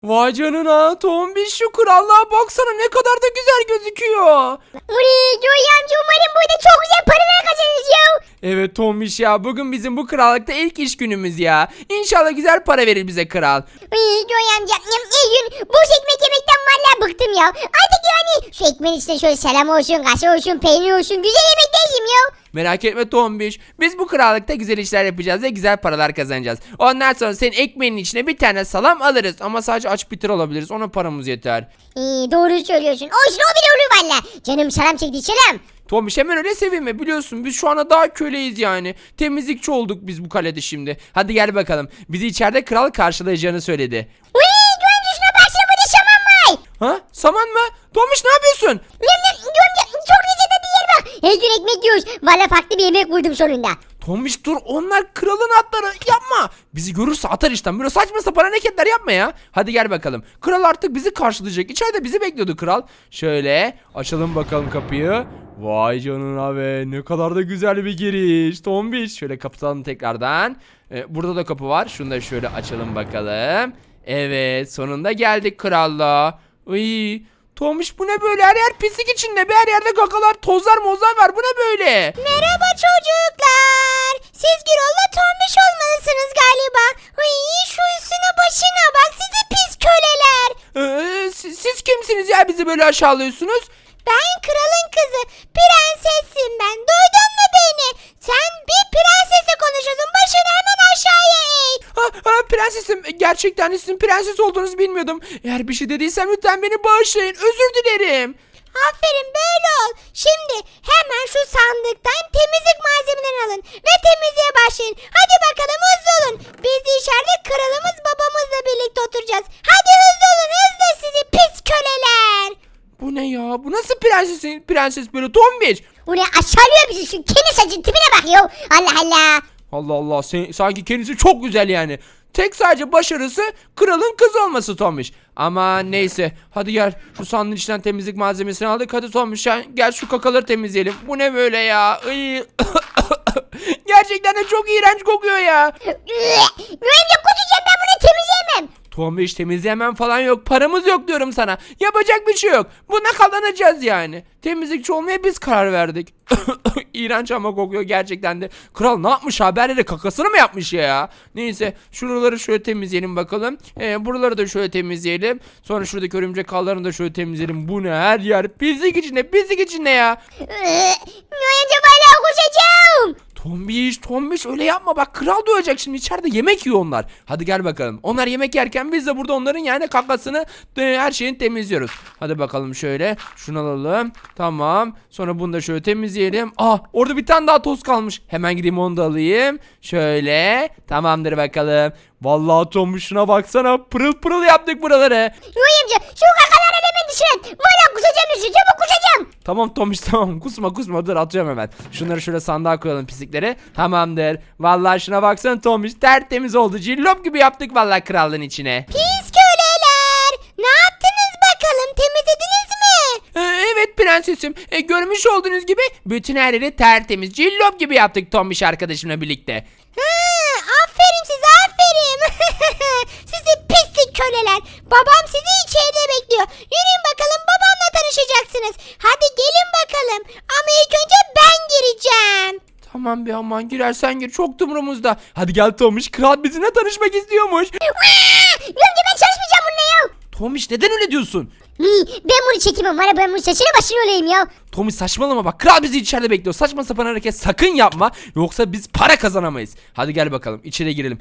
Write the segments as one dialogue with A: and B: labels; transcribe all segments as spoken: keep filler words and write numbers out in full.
A: Vay canına Tombiş, şu krallığa baksana, ne kadar da güzel gözüküyor.
B: Uri Joy amca, umarım burada çok güzel paralar kazanırız ya.
A: Evet Tombiş ya, bugün bizim bu krallıkta ilk iş günümüz ya. İnşallah güzel para verir bize kral.
B: Uri Joy amca, iyi gün boş ekmek yemekten vallahi bıktım ya. Artık yani şu ekmeğin içinde şöyle selam olsun, kaşar olsun, peynir olsun, güzel yemekler yiyeyim ya.
A: Merak etme Tombiş, biz bu krallıkta güzel işler yapacağız ve güzel paralar kazanacağız. Ondan sonra senin ekmeğinin içine bir tane salam alırız ama sadece aç bitir alabiliriz, ona paramız yeter.
B: İyi, doğru söylüyorsun. Olsun, o bile olur valla. Canım selam çekti, selam.
A: Tombiş hemen öyle sevinme, biliyorsun biz şu anda daha köleyiz yani. Temizlikçi olduk biz bu kalede şimdi. Hadi gel bakalım, bizi içeride kral karşılayacağını söyledi.
B: Uri Joy amca, şuna baksana, burada şaman var.
A: Ha, saman mı? Tombiş ne yapıyorsun?
B: Yum yum, Joy amca çok lezzetli bir yer bak. Her gün ekmek yiyoruz. Valla farklı bir yemek buldum sonunda.
A: Tombiş dur, onlar kralın atları, yapma. Bizi görürse atar işten, böyle saçma sapan hareketler yapma ya. Hadi gel bakalım, kral artık bizi karşılayacak, içeride bizi bekliyordu kral. Şöyle açalım bakalım kapıyı. Vay canına be, ne kadar da güzel bir giriş Tombiş. Şöyle kapatalım tekrardan. Ee, burada da kapı var, şunu da şöyle açalım bakalım. Evet, sonunda geldik krallığa. Iy, Tombiş bu ne böyle, her yer pislik içinde be, her yerde kakalar, tozlar mozlar var, bu ne böyle?
B: Merhaba çocuklar. Siz Gürol'la Tombiş olmalısınız galiba. Ay, şu üstüne başına bak, sizi pis köleler.
A: Ee, siz, siz kimsiniz ya, bizi böyle aşağılıyorsunuz?
B: Ben kralın kızı, prensesim ben. Duydun mu beni? Sen bir prensesle konuşuyorsun. Başını hemen aşağıya eğ.
A: Ha, ha, prensesim, gerçekten de sizin prenses olduğunuzu bilmiyordum. Eğer bir şey dediysem lütfen beni bağışlayın, özür dilerim.
B: Aferin, böyle ol. Şimdi hemen şu sandıktan temizlik malzemelerini alın ve temizliğe başlayın. Hadi bakalım, hızlı olun. Biz de içeride kralımız babamızla birlikte oturacağız. Hadi hızlı olun, hızlı sizi pis köleler.
A: Bu ne ya, bu nasıl prensesin prenses böyle Tombiş?
B: Bu ne, aşağılıyor bizi, şu kendi saçın tipine bak ya. Allah Allah.
A: Allah Allah, sen, sanki kendisi çok güzel yani. Tek sadece başarısı kralın kızı olması Tombiş. Ama neyse, hadi gel şu sandığın içinden temizlik malzemesini aldık. Hadi Tombiş, gel şu kakaları temizleyelim. Bu ne böyle ya? Iy. Gerçekten de çok iğrenç kokuyor ya.
B: Mühimle kusacağım, ben bunu temizleyemem.
A: Tombiş, temizleyemem falan yok. Paramız yok diyorum sana. Yapacak bir şey yok. Buna kazanacağız yani. Temizlikçi olmaya biz karar verdik. İğrenç ama kokuyor gerçekten de. Kral ne yapmış, haberleri kakasını mı yapmış ya? Neyse, şuraları şöyle temizleyelim bakalım. Ee, buraları da şöyle temizleyelim. Sonra şuradaki örümcek ağlarını da şöyle temizleyelim. Bu ne, her yer pislik içinde, pislik içinde ya.
B: Mühimce valla kusacağım.
A: Tombiş, Tombiş öyle yapma bak, kral duyacak şimdi, içeride yemek yiyor onlar. Hadi gel bakalım, onlar yemek yerken biz de burada onların yani kakasını, her şeyini temizliyoruz. Hadi bakalım, şöyle şunu alalım, tamam, sonra bunu da şöyle temizleyelim. Ah, orada bir tane daha toz kalmış, hemen gideyim onu da alayım. Şöyle, tamamdır bakalım. Vallahi Tombiş, şuna baksana, pırıl pırıl yaptık buraları.
B: Mühimce şu kakaları hemen dışarı. Valla kusacağım üstü, çabuk kusacağım.
A: Tamam Tomiş, tamam, kusma kusma, dur atıyorum hemen. Şunları şöyle sandığa koyalım, pislikleri. Tamamdır. Vallahi şuna baksana Tomiş, tertemiz oldu. Cillop gibi yaptık vallahi krallığın içine.
B: Pis köleler. Ne yaptınız bakalım, temizlediniz mi?
A: Ee, evet prensesim. Ee, görmüş olduğunuz gibi bütün her yeri tertemiz, cillop gibi yaptık Tomiş arkadaşımla birlikte.
B: Ha, aferin size, aferin. Sizi pislik köleler. Babam sizi içeride bekliyor. Yürüyün bakalım, babamla tanışacaksınız. Hadi gelin bakalım. Ama ilk önce ben gireceğim.
A: Tamam bir, aman girersen gir, çok umurumuzda. Hadi gel Tomiş, kral bizimle tanışmak istiyormuş.
B: Yürüyün, ben çalışmayacağım bununla ya.
A: Tomiş, neden öyle diyorsun?
B: Ben bunu çekemem, var ya, ben bunu saçını başını olayım ya.
A: Tomiş saçmalama bak, kral bizi içeride bekliyor. Saçma sapan hareket sakın yapma, yoksa biz para kazanamayız. Hadi gel bakalım, içeri girelim.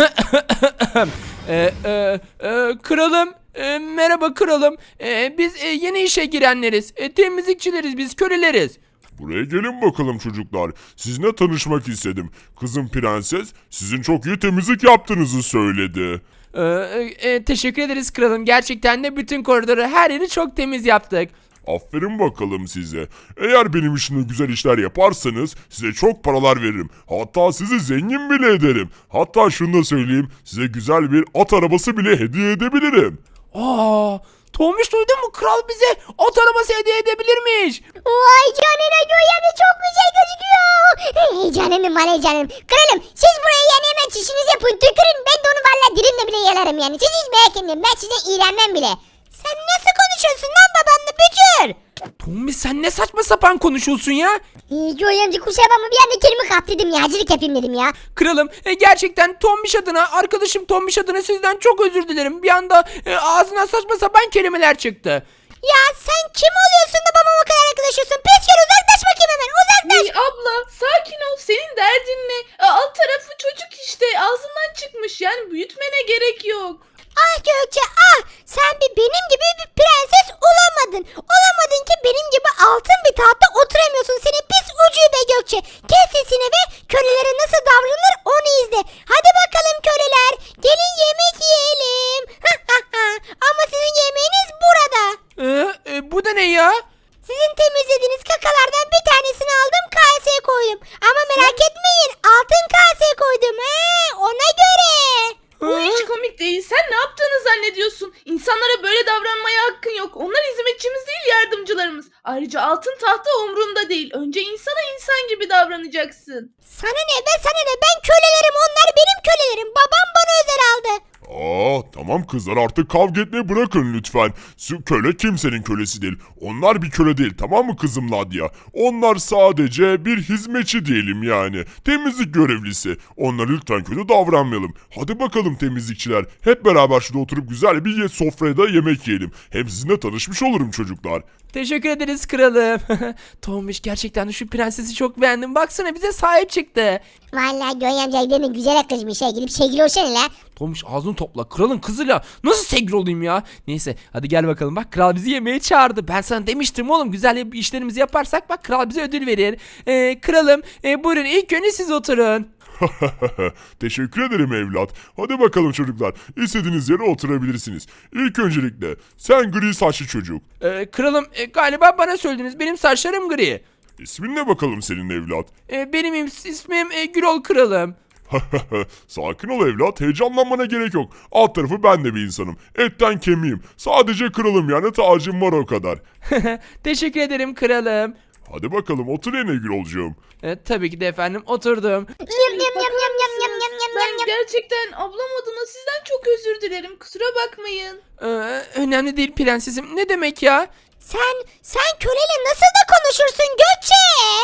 A: e, e, e, kralım, e, merhaba kralım. E, biz e, yeni işe girenleriz. E, temizlikçileriz, biz köleleriz.
C: Buraya gelin bakalım çocuklar. Sizinle tanışmak istedim. Kızım prenses sizin çok iyi temizlik yaptığınızı söyledi.
A: E, e, teşekkür ederiz kralım, gerçekten de bütün koridoru, her yeri çok temiz yaptık.
C: Aferin bakalım size. Eğer benim işimde güzel işler yaparsanız size çok paralar veririm. Hatta sizi zengin bile ederim. Hatta şunu da söyleyeyim, size güzel bir at arabası bile hediye edebilirim.
A: Aa, Tombiş duydun mu? Kral bize at arabası hediye edebilirmiş.
B: Vay canına Göğe amca çok güzel gözüküyor. Heyecanlandım var heyecanlandım. Kralım siz buraya yani hemen çişinizi yapın tükürün. Ben de onu valla dilimle bile yalarım yani. Siz hiç merak etmeyin ben size iğrenmem bile. Sen nasıl konuşuyorsun lan babanla bücür?
A: Tombiş sen ne saçma sapan konuşuyorsun ya?
B: İyi Göğe amca kusura bakma bir anda kelime kaptırdım ya. Acılık yapayım dedim ya.
A: Kralım e, gerçekten Tombiş adına, arkadaşım Tombiş adına sizden çok özür dilerim. Bir anda e, ağzından saçma sapan kelimeler çıktı.
B: Ya sen kim oluyorsun da babama o kadar yaklaşıyorsun? Pis gel uzaklaş bakayım hemen uzaklaş.
D: Hey abla sakin ol senin derdin ne? E, Alt tarafı çocuk işte ağzından çıkmış yani büyütmene gerek yok.
B: Ah Gökçe ah sen bir benim gibi bir prenses olamadın. Olamadın ki benim gibi altın bir tahtta oturamıyorsun seni pis ucube Gökçe. Kes sesini ve kölelere nasıl davranılır onu izle. Hadi bakalım köleler gelin yemek yiyelim. Ama sizin yemeğiniz burada.
A: E, e, bu da ne ya?
B: Sizin temizlediğiniz kakalardan bir tanesini aldım kaseye koydum. Ama merak etmeyin altın kaseye koydum. He, ona göre.
D: Bu hiç komik değil. Sen ne yaptığını zannediyorsun? İnsanlara böyle davranmaya hakkın yok. Onlar hizmetçimiz değil yardımcılarımız. Ayrıca altın tahta umrunda değil. Önce insana insan gibi davranacaksın.
B: Sana ne be sana ne ben kölelerim onlar benim kölelerim. Babam bana özel aldı.
C: Aa, tamam kızlar artık kavga etmeyi bırakın lütfen. Şu köle kimsenin kölesi değil. Onlar bir köle değil tamam mı kızım Nadia? Onlar sadece bir hizmetçi diyelim yani. Temizlik görevlisi. Onlara lütfen kötü davranmayalım. Hadi bakalım temizlikçiler. Hep beraber şurada oturup güzel bir ye- sofraya da yemek yiyelim. Hem sizinle tanışmış olurum çocuklar.
A: Teşekkür ederiz kralım. Tombiş gerçekten de şu prensesi çok beğendim. Baksana bize sahip çıktı.
B: Vallahi Göğe amca demin güzel yaklaşmış ha gidip sevgili olsana la.
A: Tombiş ağzını topla. Kralın kızıyla nasıl sevgili olayım ya? Neyse hadi gel bakalım. Bak kral bizi yemeğe çağırdı. Ben sana demiştim oğlum güzel işlerimizi yaparsak bak kral bize ödül verir. Ee, kralım e, buyurun ilk önce siz oturun.
C: Teşekkür ederim evlat. Hadi bakalım çocuklar. İstediğiniz yere oturabilirsiniz. İlk öncelikle sen gri saçlı çocuk.
A: Ee, kralım e, galiba bana söylediniz. Benim saçlarım gri.
C: İsmin ne bakalım senin evlat?
A: Ee, benim is- ismim e, Gürol kralım.
C: Sakin ol evlat, heyecanlanmana gerek yok. Alt tarafı ben de bir insanım. Etten kemiğim. Sadece kralım yani tacım var o kadar.
A: Teşekkür ederim kralım.
C: Hadi bakalım otur yine Gürolcuğum.
A: E, tabii ki de efendim oturdum.
B: Yum yum yum yum yum yum yum yum
D: Ben
B: yum yum.
D: gerçekten ablam adına sizden çok özür dilerim. Kusura bakmayın.
A: Ee, önemli değil prensesim. Ne demek ya?
B: Sen sen köleyle nasıl da konuşursun Gökçe?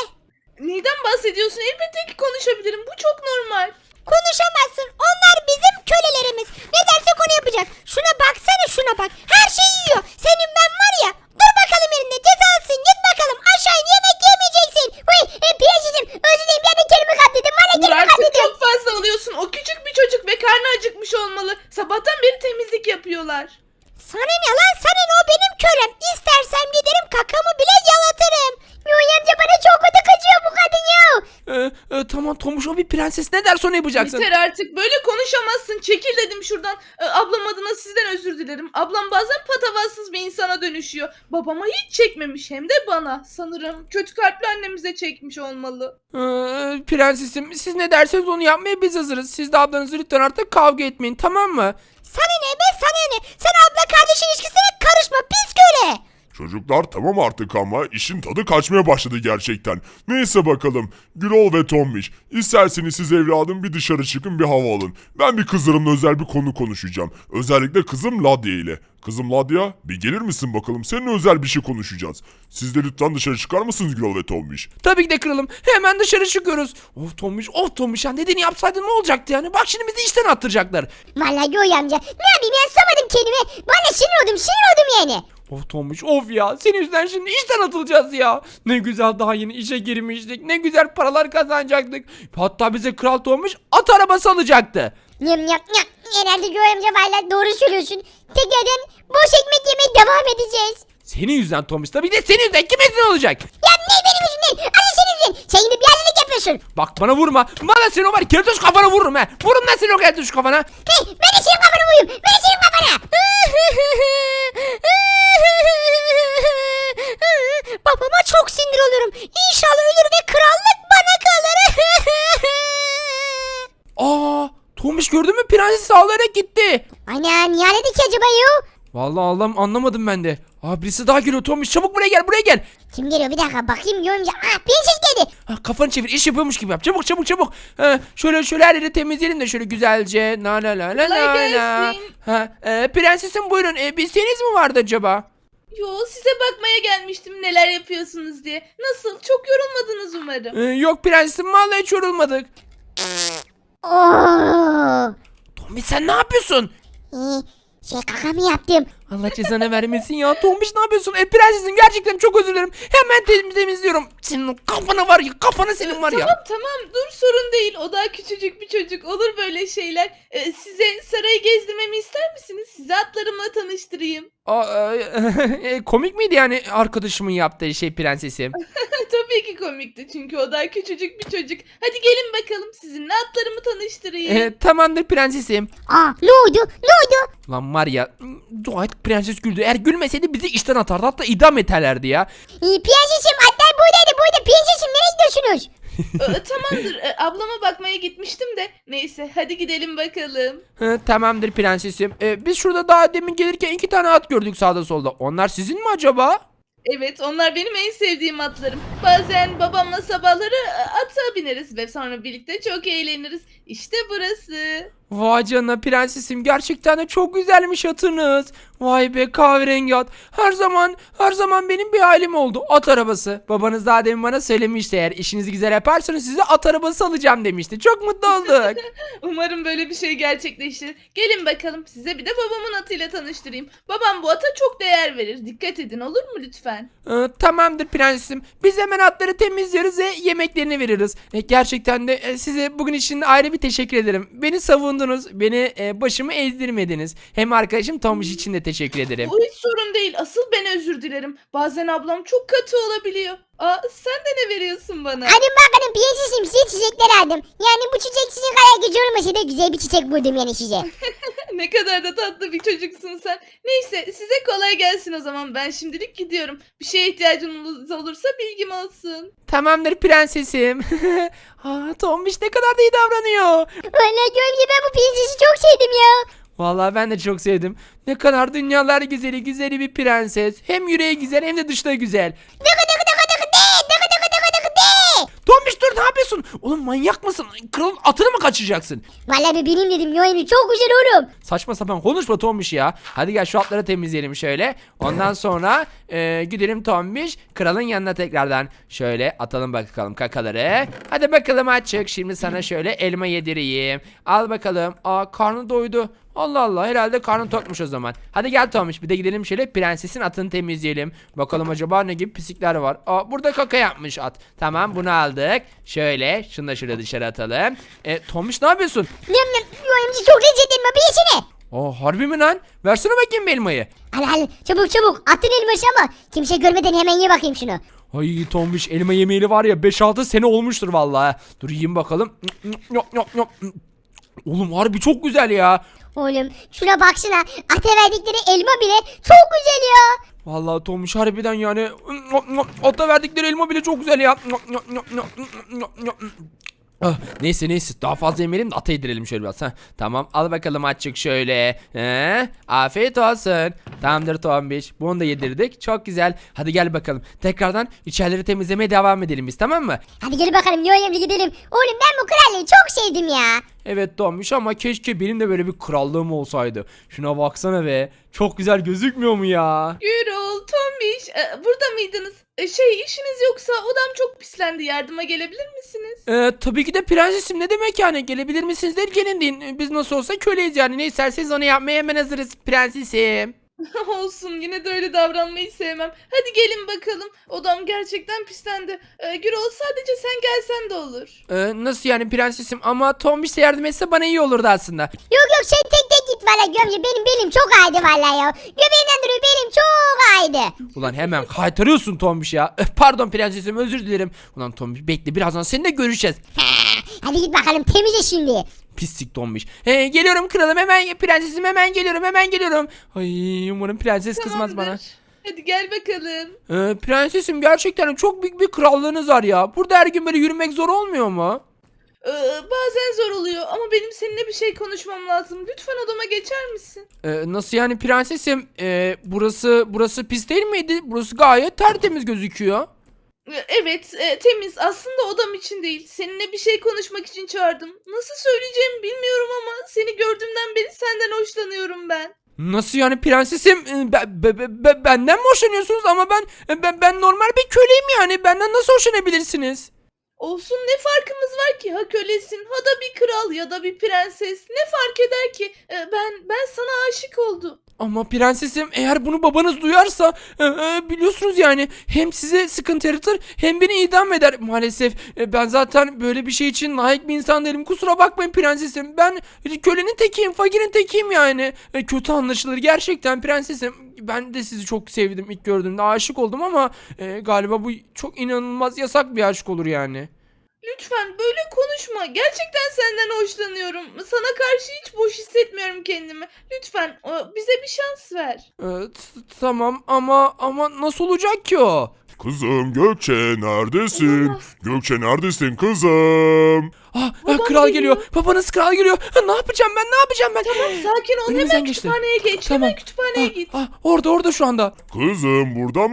D: Neyden bahsediyorsun? Elbette ki konuşabilirim. Bu çok normal.
B: Konuşamazsın. Onlar bizim kölelerimiz. Ne dersek onu yapacak. Şuna baksana şuna bak. Her şeyi yiyor. Senin ben var ya. Dur bakalım elinde cezalısın. Git bakalım aşağı in, yemek yemeyeceksin. Uy e, piyasacım özür dilerim. Ben bir kelime katledim. Var ya
D: Dur
B: kelime
D: artık
B: katledim.
D: çok fazla alıyorsun. O küçük bir çocuk ve karnı acıkmış olmalı. Sabahtan beri temizlik yapıyorlar.
B: Sana ne lan sana ne o benim kölem. İstersem giderim kakamı bile yalatırım. Yoy amca bana çok kötü kaçıyor bu kadın ya.
A: Ee, e, tamam Tomuş o bir prenses ne derse onu yapacaksın.
D: Yeter artık. Böyle konuşamazsın. Çekil dedim şuradan. Ee, ablam adına sizden özür dilerim. Ablam bazen patavatsız bir insana dönüşüyor. Babama hiç çekmemiş hem de bana. Sanırım kötü kalpli annemize çekmiş olmalı.
A: Ee, prensesim siz ne derseniz onu yapmaya biz hazırız. Siz de ablanızı lütfen artık kavga etmeyin tamam mı?
B: Sana ne be sana ne. Sen abla kardeş ilişkisine karışma pis köle.
C: Çocuklar tamam artık ama işin tadı kaçmaya başladı gerçekten. Neyse bakalım. Gürol ve Tombiş. İsterseniz siz evladım bir dışarı çıkın bir hava alın. Ben bir kızlarımla özel bir konu konuşacağım. Özellikle kızım Ladia ile. Kızım Ladia bir gelir misin bakalım? Seninle özel bir şey konuşacağız. Siz de lütfen dışarı çıkar mısınız Gürol ve Tombiş?
A: Tabii ki de kralım. Hemen dışarı çıkıyoruz. Of Tomuş of Tomuş ya dediğini yapsaydın ne olacaktı yani? Bak şimdi bizi işten attıracaklar.
B: Vallahi Yoy amca ne yapayım ya sormadım kendime. Bana sinir oldum sinir oldum yani.
A: Of Tomuş of ya senin yüzünden şimdi işten atılacağız ya. Ne güzel daha yeni işe girmiştik. Ne güzel paralar kazanacaktık. Hatta bize kral Tomuş at arabası alacaktı.
B: Yum yum yum. Herhalde Yoy amca vallahi doğru söylüyorsun. Tekrardan boş ekmek yemeye devam edeceğiz.
A: Senin yüzünden Tomuş tabii de senin yüzünden kimin yüzünden olacak?
B: Ya ne benim yüzümden? Hadi senin yüzünden. Sen gidip yazılık yapıyorsun.
A: Bak bana vurma. Bana seni o var keltoş kafana vururum he. Vururum ben seni o keltoş kafana.
B: Hey ben de senin kafana vurayım. Ben de senin kafana. Babama çok sinir oluyorum. İnşallah ölür ve krallık bana kalır.
A: Aa, Tomuş gördün mü prenses ağlayarak gitti.
B: Ana niye aradı ki acaba yo?
A: Vallahi Allah'ım anlamadım ben de. Aa birisi daha geliyor Tombiş, çabuk buraya gel, buraya gel.
B: Kim geliyor bir dakika bakayım Yoy amca. Ah prenses geldi.
A: Ha, kafanı çevir, iş yapıyormuş gibi yap. Çabuk çabuk çabuk. Ha, şöyle şöyle her yeri temizleyelim de şöyle güzelce. La la la la
D: Kolay
A: la la.
D: gelsin.
A: Ha, e, prensesim buyurun. E, bir isteğiniz mi vardı acaba?
D: Yo, size bakmaya gelmiştim neler yapıyorsunuz diye. Nasıl? Çok yorulmadınız umarım.
A: E, yok prensesim, vallahi hiç yorulmadık.
B: Oo.
A: Tombiş sen ne yapıyorsun?
B: Ee, şey kaka mı yaptım?
A: Allah cezanı vermesin ya. Tombiş ne yapıyorsun? E prensesim gerçekten çok özür dilerim. Hemen tem- temizliyorum. Senin o kafana var ya, kafana senin var ya.
D: Tamam tamam, dur, sorun değil. O daha küçücük bir çocuk. Olur böyle şeyler. Ee, size sarayı gezdirmemi ister misiniz? Sizi atlarımla tanıştırayım.
A: Aa, e, e, komik miydi yani arkadaşımın yaptığı şey prensesim?
D: Tabii ki komikti çünkü o daha küçücük bir çocuk. Hadi gelin bakalım, sizinle atlarımı tanıştırayım.
A: E, tamamdır prensesim.
B: Aa ne oldu? Ne oldu?
A: Lan var ya, dua et prenses güldü. Eğer gülmeseydi bizi işten atardı, hatta idam ederlerdi ya.
B: Ee, prensesim atlar buradaydı. Burada prensesim nereye gidiyorsunuz?
D: Ee, tamamdır, ee, ablama bakmaya gitmiştim de. Neyse, hadi gidelim bakalım.
A: Hı, tamamdır prensesim. E, biz şurada daha demin gelirken iki tane at gördük sağda solda. Onlar sizin mi acaba?
D: Evet, onlar benim en sevdiğim atlarım. Bazen babamla sabahları e, ata bineriz ve sonra birlikte çok eğleniriz. İşte burası.
A: Vay canına prensesim, gerçekten de çok güzelmiş atınız. Vay be, kahverengi at. Her zaman her zaman benim bir halim oldu. At arabası. Babanız daha demin bana söylemişti, eğer işinizi güzel yaparsanız size at arabası alacağım demişti. Çok mutlu olduk.
D: Umarım böyle bir şey gerçekleşir. Gelin bakalım, size bir de babamın atıyla tanıştırayım. Babam bu ata çok değer verir. Dikkat edin, olur mu lütfen?
A: Ee, tamamdır prensesim. Biz hemen atları temizliyoruz ve yemeklerini veririz. E, gerçekten de e, size bugün için ayrı bir teşekkür ederim. Beni savundunuz. Beni e, başımı ezdirmediniz. Hem arkadaşım Tomuş için de teşekkür ederim.
D: Bu hiç sorun değil. Asıl ben özür dilerim. Bazen ablam çok katı olabiliyor. Aa, sen de ne veriyorsun bana?
B: Hadi bakalım prensesim size çiçekler aldım. Yani bu çiçek sizin kadar güzel olmasa da güzel bir çiçek buldum yani size.
D: Ne kadar da tatlı bir çocuksun sen. Neyse, size kolay gelsin o zaman. Ben şimdilik gidiyorum. Bir şeye ihtiyacınız olursa bilgim olsun.
A: Tamamdır prensesim. Aa, Tomuş ne kadar da iyi davranıyor.
B: Vallahi Gömce ben bu prensesi çok sevdim ya.
A: Vallahi ben de çok sevdim. Ne kadar dünyalar güzeli güzeli bir prenses. Hem yüreği güzel hem de dışta güzel.
B: Dıkı dıkı dıkı dıkı de, dıkı dıkı dıkı dıkı de.
A: Tomuş dur, ne yapıyorsun? Oğlum manyak mısın? Kralın atını mı kaçıracaksın?
B: Vallahi bir benim dedim Yoyamca çok güzel oğlum.
A: Saçma sapan konuşma Tombiş ya. Hadi gel şu atları temizleyelim şöyle. Ondan sonra e, gidelim Tombiş kralın yanına tekrardan. Şöyle atalım bakalım kakaları. Hadi bakalım açık. Şimdi sana şöyle elma yedireyim. Al bakalım. Aa, karnı doydu. Allah Allah, herhalde karnı tokmuş o zaman. Hadi gel Tombiş, bir de gidelim şöyle prensesin atını temizleyelim. Bakalım acaba ne gibi pislikler var. Aa, burada kaka yapmış at. Tamam, bunu aldık. Şöyle şunu da şöyle dışarı atalım. E, Tombiş ne yapıyorsun?
B: Nem nem Yoyamca çok lezzetli elma bir yesene.
A: Aa, harbi mi lan? Versene bakayım bir elmayı.
B: Al al çabuk çabuk atın elması ama kimse görmeden hemen ye bakayım şunu.
A: Ay Tombiş, elma yemeği var ya beş altı sene olmuştur vallahi. Dur yiyeyim bakalım. Oğlum harbi çok güzel ya.
B: Oğlum şuna baksana ata verdikleri elma bile çok güzel ya.
A: Vallahi Tombiş harbiden yani ata verdikleri elma bile çok güzel ya. Ah, neyse neyse, daha fazla yemeyelim de ata yedirelim şöyle biraz. Heh, tamam, al bakalım açık şöyle. He, afiyet olsun. Tamamdır Tombiş, bunu da yedirdik, çok güzel. Hadi gel bakalım tekrardan içerileri temizlemeye devam edelim biz, tamam mı?
B: Hadi gel bakalım Yoyamca gidelim. Oğlum ben bu krallığı çok sevdim ya.
A: Evet Tombiş, ama keşke benim de böyle bir krallığım olsaydı. Şuna baksana be, çok güzel gözükmüyor mu ya?
D: Gürol, Tombiş, e, burada mıydınız? E, şey, işiniz yoksa odam çok pislendi. Yardıma gelebilir misiniz?
A: Ee, tabii ki de prensesim, ne demek yani, gelebilir misiniz der gelin deyin. Biz nasıl olsa köleyiz yani, ne isterseniz onu yapmaya hemen hazırız prensesim.
D: Olsun, yine de öyle davranmayı sevmem. Hadi gelin bakalım. Odam gerçekten pislendi. E, Gürol, sadece sen gelsen de olur.
A: Ee, nasıl yani prensesim, ama Tombiş de yardım etse bana iyi olurdu aslında.
B: Yok yok sen tek tek git valla Gömce benim belim çok ağrıdı valla ya. Göbeğimden duruyor belim çok ağrıdı.
A: Ulan hemen kaytarıyorsun Tombiş ya. Öf, pardon prensesim, özür dilerim. Ulan Tombiş bekle, birazdan seninle görüşeceğiz.
B: Hadi git bakalım temizle şimdi.
A: Pislik Tombiş. He, geliyorum kralım, hemen prensesim, hemen geliyorum hemen geliyorum. Ay, umarım prenses kızmaz bana.
D: Tamamdır. Hadi gel bakalım.
A: Ee, prensesim, gerçekten çok büyük bir krallığınız var ya. Burada her gün böyle yürümek zor olmuyor mu?
D: Ee, bazen zor oluyor ama benim seninle bir şey konuşmam lazım. Lütfen odama geçer misin?
A: Ee, nasıl yani prensesim? Ee, burası burası pis değil miydi? Burası gayet tertemiz gözüküyor.
D: Ee, Evet, e, temiz. Aslında odam için değil. Seninle bir şey konuşmak için çağırdım. Nasıl söyleyeceğimi bilmiyorum ama seni gördüğümden beri senden hoşlanıyorum ben.
A: Nasıl yani prensesim? Ee, be- be- be- be- benden mi hoşlanıyorsunuz? Ama ben ben, ben normal bir köleyim yani. Benden nasıl hoşlanabilirsiniz?
D: Olsun, ne farkımız var ki? Ha kölesin, ha da bir kral ya da bir prenses. Ne fark eder ki? Ee, ben ben sana aşık oldum.
A: Ama prensesim eğer bunu babanız duyarsa e, e, biliyorsunuz yani hem size sıkıntı yaratır hem beni idam eder. Maalesef e, ben zaten böyle bir şey için layık bir insan değilim. Kusura bakmayın prensesim. Ben kölenin tekiyim, fakirin tekiyim yani. E, kötü anlaşılır gerçekten prensesim. Ben de sizi çok sevdim ilk gördüğümde aşık oldum ama e, galiba bu çok inanılmaz yasak bir aşk olur yani.
D: Lütfen böyle konuşma. Gerçekten senden hoşlanıyorum. Sana karşı hiç boş hissetmiyorum kendimi. Lütfen e, bize bir şans ver.
A: E, t- tamam ama ama nasıl olacak ki o?
C: Kızım Gökçe neredesin?
D: Olamaz.
C: Gökçe neredesin kızım?
A: Ah, ah,
D: Babam
A: kral
D: geliyor.
A: geliyor. Babanız kral geliyor. Ha, ne yapacağım ben? Ne yapacağım ben?
D: Sakin ol.
A: Önümüzden
D: Hemen
A: geçti.
D: kütüphaneye geç.
A: Tamam.
D: Hemen kütüphaneye
A: Ah,
D: git.
A: ah, orada orada şu anda.
C: Kızım burada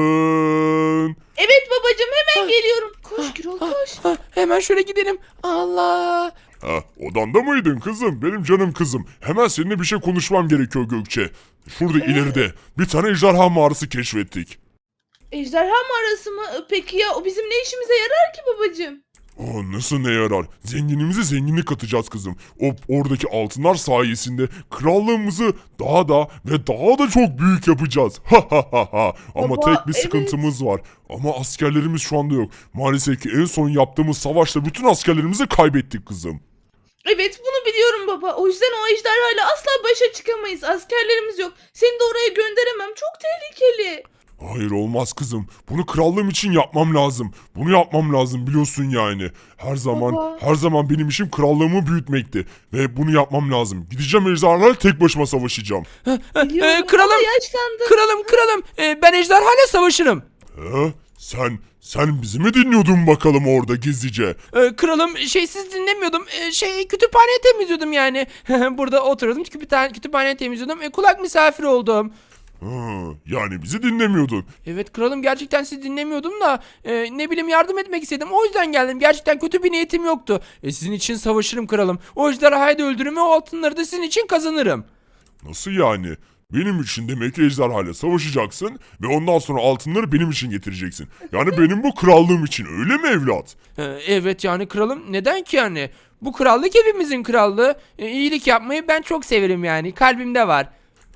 C: mısın?
D: Evet babacığım, hemen geliyorum. Koş Gürol,
A: Ah,
D: koş.
A: ah, hemen şöyle gidelim. Allah.
C: Ha, odanda mıydın kızım? Benim canım kızım. Hemen seninle bir şey konuşmam gerekiyor Gökçe. Şurada ileride bir tane ejderha mağarası keşfettik.
D: Ejderha mağarası mı? Peki ya o bizim ne işimize yarar ki babacığım?
C: Oh, nasıl ne yarar? Zenginimize zenginlik katacağız kızım. O oradaki altınlar sayesinde krallığımızı daha da ve daha da çok büyük yapacağız. Ha ha ha ha. Ama
D: Baba,
C: tek bir
D: evet.
C: sıkıntımız var. Ama askerlerimiz şu anda yok. Maalesef ki en son yaptığımız savaşta bütün askerlerimizi kaybettik kızım.
D: Evet, bunu biliyorum baba. O yüzden o ejderhayla asla başa çıkamayız. Askerlerimiz yok. Seni de oraya gönderemem. Çok tehlikeli.
C: Hayır olmaz kızım. Bunu krallığım için yapmam lazım. Bunu yapmam lazım biliyorsun yani. Her zaman
D: Baba.
C: her zaman benim işim krallığımı büyütmekti. Ve bunu yapmam lazım. Gideceğim ejderhalarla tek başıma savaşacağım.
D: Biliyorum
A: Ee, kralım,
D: ama yaşlandın.
A: Kralım kralım. Ee, ben ejderhayla savaşırım.
C: He? Sen sen bizi mi dinliyordun bakalım orada gizlice?
A: Ee, kralım şey siz dinlemiyordum. Ee, şey kütüphane temizliyordum yani. Burada oturuyordum kütüphane, kütüphane temizliyordum. Ee, kulak misafiri oldum.
C: Hı, yani bizi dinlemiyordun.
A: Evet kralım gerçekten sizi dinlemiyordum da e, ne bileyim yardım etmek istedim. O yüzden geldim. Gerçekten kötü bir niyetim yoktu. E, sizin için savaşırım kralım. O ejderhayı da öldürürüm ve o altınları da sizin için kazanırım.
C: Nasıl yani? Benim için demek ki ejderhayla savaşacaksın ve ondan sonra altınları benim için getireceksin. Yani benim bu krallığım için öyle mi evlat?
A: E, evet yani kralım neden ki yani? Bu krallık hepimizin krallığı. E, iyilik yapmayı ben çok severim yani. Kalbimde var.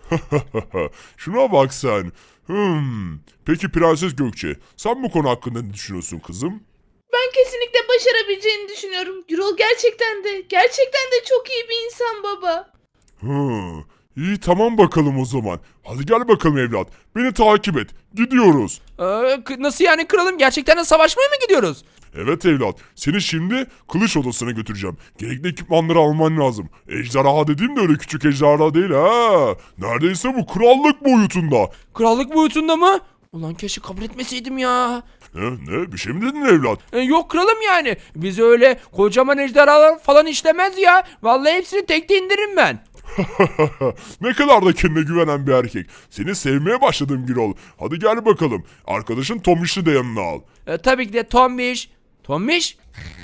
C: Şuna bak sen. Hmm. Peki Prenses Gökçe, sen bu konu hakkında ne düşünüyorsun kızım?
D: Ben kesinlikle başarabileceğini düşünüyorum. Gürol gerçekten de, gerçekten de çok iyi bir insan baba.
C: Hı. İyi tamam bakalım o zaman. Hadi gel bakalım evlat. Beni takip et. Gidiyoruz.
A: E, k- nasıl yani kralım? Gerçekten de savaşmaya mı gidiyoruz?
C: Evet evlat. Seni şimdi kılıç odasına götüreceğim. Gerekli ekipmanları alman lazım. Ejderha dediğim de öyle küçük ejderha değil ha. Neredeyse bu krallık boyutunda.
A: Krallık boyutunda mı? Ulan keşke kabul etmeseydim ya.
C: Ne, ne bir şey mi dedin evlat?
A: E, yok kralım yani. Biz öyle kocaman ejderhalar falan işlemez ya. Vallahi hepsini tekte indiririm ben.
C: Ne kadar da kendine güvenen bir erkek. Seni sevmeye başladım Gürol. Hadi gel bakalım. Arkadaşın Tomiş'i de yanına al.
A: E, tabii ki de Tombiş. Tombiş?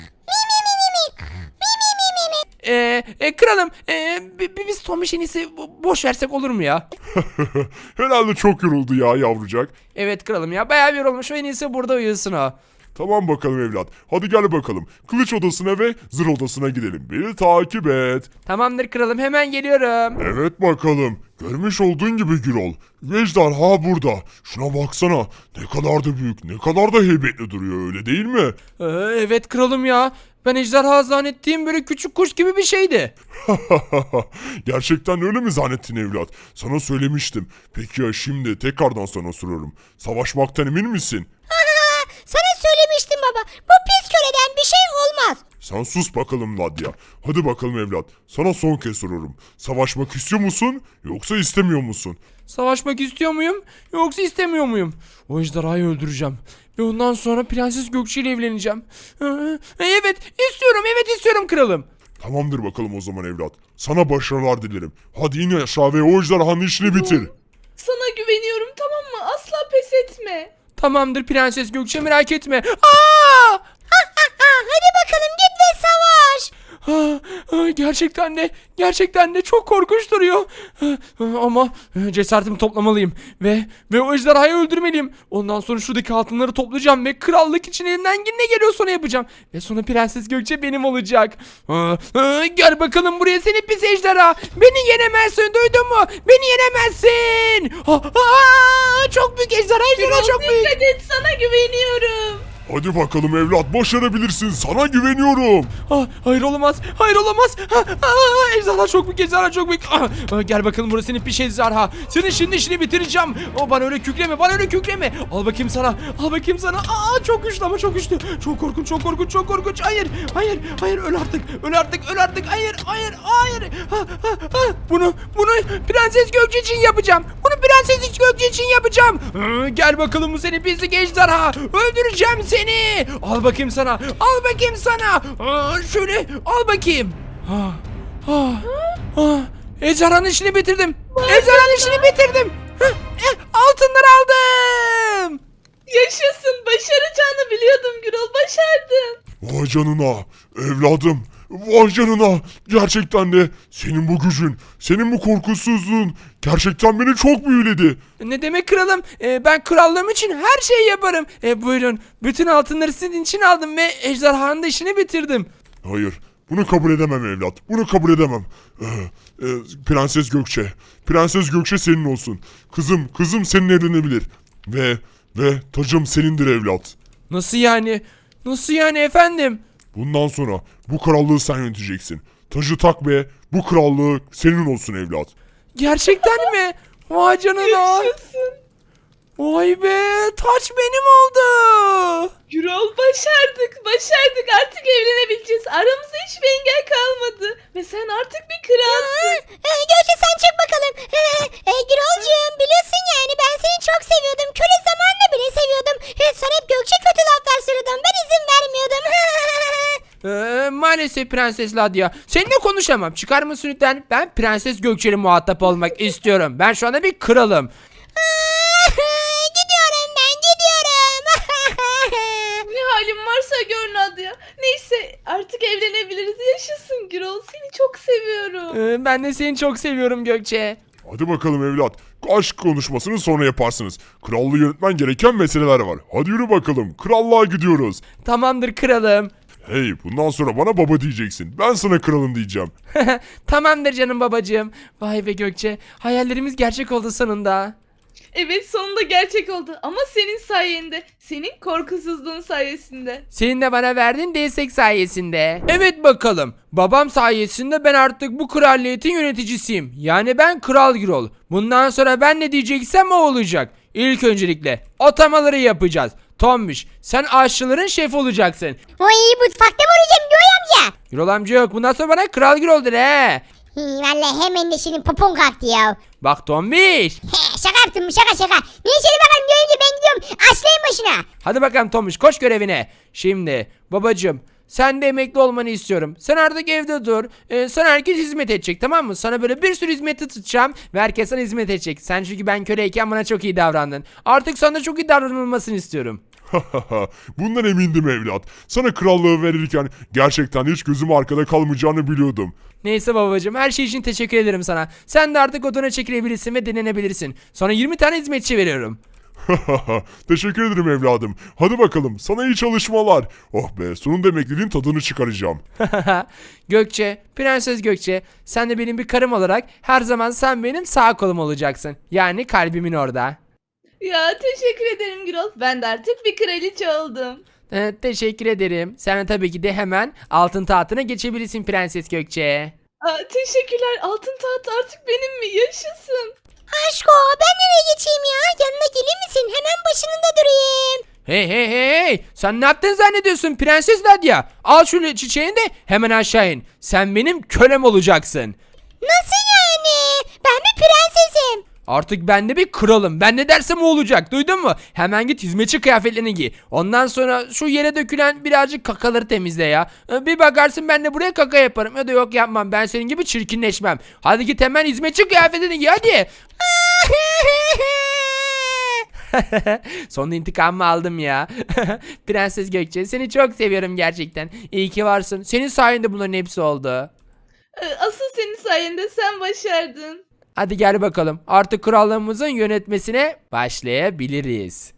A: E, e, kralım e, bi- bi- biz Tombiş'in iyisi bo- boş versek olur mu ya?
C: Herhalde çok yoruldu ya yavrucak.
A: Evet kralım ya bayağı bir yorulmuş. En iyisi burada uyusun o.
C: Tamam bakalım evlat. Hadi gel bakalım. Kılıç odasına ve zırh odasına gidelim. Beni takip et.
A: Tamamdır kralım hemen geliyorum.
C: Evet bakalım. Görmüş olduğun gibi Gürol. Ejderha burada. Şuna baksana. Ne kadar da büyük, ne kadar da heybetli duruyor öyle değil mi?
A: E, evet kralım ya. Ben ejderha zannettiğim böyle küçük kuş gibi bir şeydi.
C: Gerçekten öyle mi zannettin evlat? Sana söylemiştim. Peki ya şimdi tekrardan sana soruyorum. Savaşmaktan emin misin?
B: Sana söylemiştim baba. Bu pis köleden bir şey olmaz.
C: Sen sus bakalım Nadia. Hadi bakalım evlat. Sana son kez soruyorum. Savaşmak istiyor musun yoksa istemiyor musun?
A: Savaşmak istiyor muyum yoksa istemiyor muyum? O ejderhayı öldüreceğim. Ve ondan sonra Prenses Gökçe ile evleneceğim. Hı, Evet istiyorum evet istiyorum kralım.
C: Tamamdır bakalım o zaman evlat. Sana başarılar dilerim. Hadi in aşağı ve o ejderhanın işini bitir.
D: Sana güveniyorum, tamam mı? Asla pes etme.
A: Tamamdır Prenses Gökçe merak etme. Aa!
B: Hadi bakalım git ve savaş.
A: Ah, ah, Gerçekten de gerçekten de çok korkunç duruyor. Ah, ah, Ama eh, cesaretimi toplamalıyım ve ve o ejderhayı öldürmeliyim. Ondan sonra şuradaki altınları toplayacağım ve krallık için elimden ne geliyorsa onu yapacağım. Ve sonra Prenses Gökçe benim olacak. Ah, ah, Gel bakalım buraya seni pis ejderha. Beni yenemezsin duydun mu? Beni yenemezsin. Ah, ah, Çok büyük ejderha ejderha
D: Gürol,
A: çok büyük.
D: dikkat et, sana güveniyorum.
C: Hadi bakalım evlat başarabilirsin. Sana güveniyorum.
A: Ah, hayır olamaz. Hayır olamaz. Ah, ah, ejderha çok büyük. Ejderha çok büyük. Ah, ah, gel bakalım burası senin piş ejderha. Senin şimdi işini bitireceğim. O bana öyle kükreme. Bana öyle kükreme. Al bakayım sana. Al bakayım sana. Aa çok güçlü ama çok güçlü. Çok korkunç. Çok korkunç. Çok korkunç. Hayır. Hayır. Hayır. Öl artık. Öl artık. Öl artık. Hayır. Hayır. Hayır. Ah, ah, ah. Bunu bunu Prenses Gökçe için yapacağım. Bunu Prenses Gökçe için yapacağım. Ah, gel bakalım bu seni pislik ejderha. Öldüreceğim seni. Al bakayım sana. Al bakayım sana. Aa, şöyle al bakayım. Ah, ah, ah. Ejderhanın işini bitirdim. Ejderhanın işini bitirdim. Hah, eh, altınları aldım.
D: Yaşasın, başaracağını biliyordum Gürol, başardın.
C: Vay canına evladım. Vay canına. Gerçekten de senin bu gücün, senin bu korkusuzluğun gerçekten beni çok büyüledi.
A: Ne demek kralım? Ee, ben krallığım için her şeyi yaparım. Ee, buyurun. Bütün altınları sizin için aldım ve ejderhanın da işini bitirdim.
C: Hayır. Bunu kabul edemem evlat. Bunu kabul edemem. Ee, e, Prenses Gökçe. Prenses Gökçe senin olsun. Kızım, kızım senin evlenebilir. Ve ve tacım senindir evlat.
A: Nasıl yani? Nasıl yani efendim?
C: Bundan sonra bu krallığı sen yöneteceksin. Tacı tak ve bu krallığı senin olsun evlat.
A: Gerçekten mi? Vay canına.
D: Yaşasın.
A: Vay be. Taç benim oldu.
D: Gürol, başardık, başardık. Artık evlenebileceğiz. Aramızda hiçbir engel kalmadı. Ve sen artık bir kralsın.
B: Ee, Gökçe sen çık bakalım. Ee, e, Gürolcuğum biliyorsun yani ben seni çok seviyordum. Köle zamanında bile seviyordum. Ee, sana hep Gökçe kötü laflar söyledim. Ben izin vermiyordum.
A: Ee, maalesef Prenses Ladya. Seninle konuşamam. Çıkar mısın lütfen? Ben Prenses Gökçe'yle muhatap olmak istiyorum. Ben şu anda bir kralım.
B: Gidiyorum ben gidiyorum.
D: Ne halin varsa gör Nadia. Neyse, artık evlenebiliriz. Yaşasın Gürol, seni çok seviyorum.
A: Ee, ben de seni çok seviyorum Gökçe.
C: Hadi bakalım evlat. Aşk konuşmasını sonra yaparsınız. Krallığı yönetmen gereken meseleler var. Hadi yürü bakalım. Krallığa gidiyoruz.
A: Tamamdır kralım.
C: Hey, bundan sonra bana baba diyeceksin. Ben sana kralım diyeceğim.
A: Tamamdır canım babacığım. Vay be Gökçe. Hayallerimiz gerçek oldu sonunda.
D: Evet, sonunda gerçek oldu. Ama senin sayende. Senin korkusuzluğun sayesinde.
A: Senin de bana verdiğin destek sayesinde. Evet bakalım. Babam sayesinde ben artık bu kraliyetin yöneticisiyim. Yani ben Kral Gürol. Bundan sonra ben ne diyeceksem o olacak. İlk öncelikle atamaları yapacağız. Tombiş, sen aşçıların şefi olacaksın.
B: Oy mutfakta mı olacağım Göğe amca?
A: Gürol amca yok. Bundan sonra bana Kral Gürol'dur he.
B: Hi, vallahi hemen de senin popon kalktı ya.
A: Bak Tombiş.
B: He, şaka yaptım şaka şaka. Neyse hadi bakalım Göğe amca ben gidiyorum. Aslayın başına.
A: Hadi bakalım Tombiş koş görevine. Şimdi babacığım sen de emekli olmanı istiyorum. Sen artık evde dur. Ee, sana herkes hizmet edecek tamam mı? Sana böyle bir sürü hizmeti tutacağım ve herkes sana hizmet edecek. Sen çünkü ben köleyken bana çok iyi davrandın. Artık sana çok iyi davranılmasını istiyorum.
C: Bundan emindim evlat. Sana krallığı verirken gerçekten hiç gözüm arkada kalmayacağını biliyordum.
A: Neyse babacığım her şey için teşekkür ederim sana. Sen de artık odana çekilebilirsin ve denenebilirsin. Sana yirmi tane hizmetçi veriyorum.
C: Teşekkür ederim evladım. Hadi bakalım sana iyi çalışmalar. Oh be sonunda emekliliğin tadını çıkaracağım.
A: Gökçe, Prenses Gökçe, sen de benim bir karım olarak her zaman sen benim sağ kolum olacaksın. Yani kalbimin orada.
D: Ya teşekkür ederim Gürol. Ben de artık bir kraliçe oldum.
A: Ee, teşekkür ederim. Sen de tabii ki de hemen altın tahtına geçebilirsin Prenses Gökçe.
D: Aa, teşekkürler. Altın taht artık benim mi? Yaşasın.
B: Aşko ben nereye geçeyim ya? Yanına gelir misin? Hemen başında durayım.
A: Hey hey hey hey! Sen ne yaptın zannediyorsun Prenses Nadia? Al şu çiçeğini de hemen aşağı in. Sen benim kölem olacaksın.
B: Nasıl yani? Ben bir prensesim.
A: Artık ben de bir kralım. Ben ne dersem o olacak. Duydun mu? Hemen git hizmetçi kıyafetlerini giy. Ondan sonra şu yere dökülen birazcık kakaları temizle ya. Ee, Bir bakarsın ben de buraya kaka yaparım. Ya da yok yapmam. Ben senin gibi çirkinleşmem. Hadi git hemen hizmetçi kıyafetini giy hadi. Sonunda intikamımı aldım ya. Prenses Gökçe seni çok seviyorum gerçekten. İyi ki varsın. Senin sayende bunların hepsi oldu.
D: Ee, Asıl senin sayende, sen başardın.
A: Hadi gel bakalım. Artık krallığımızın yönetmesine başlayabiliriz.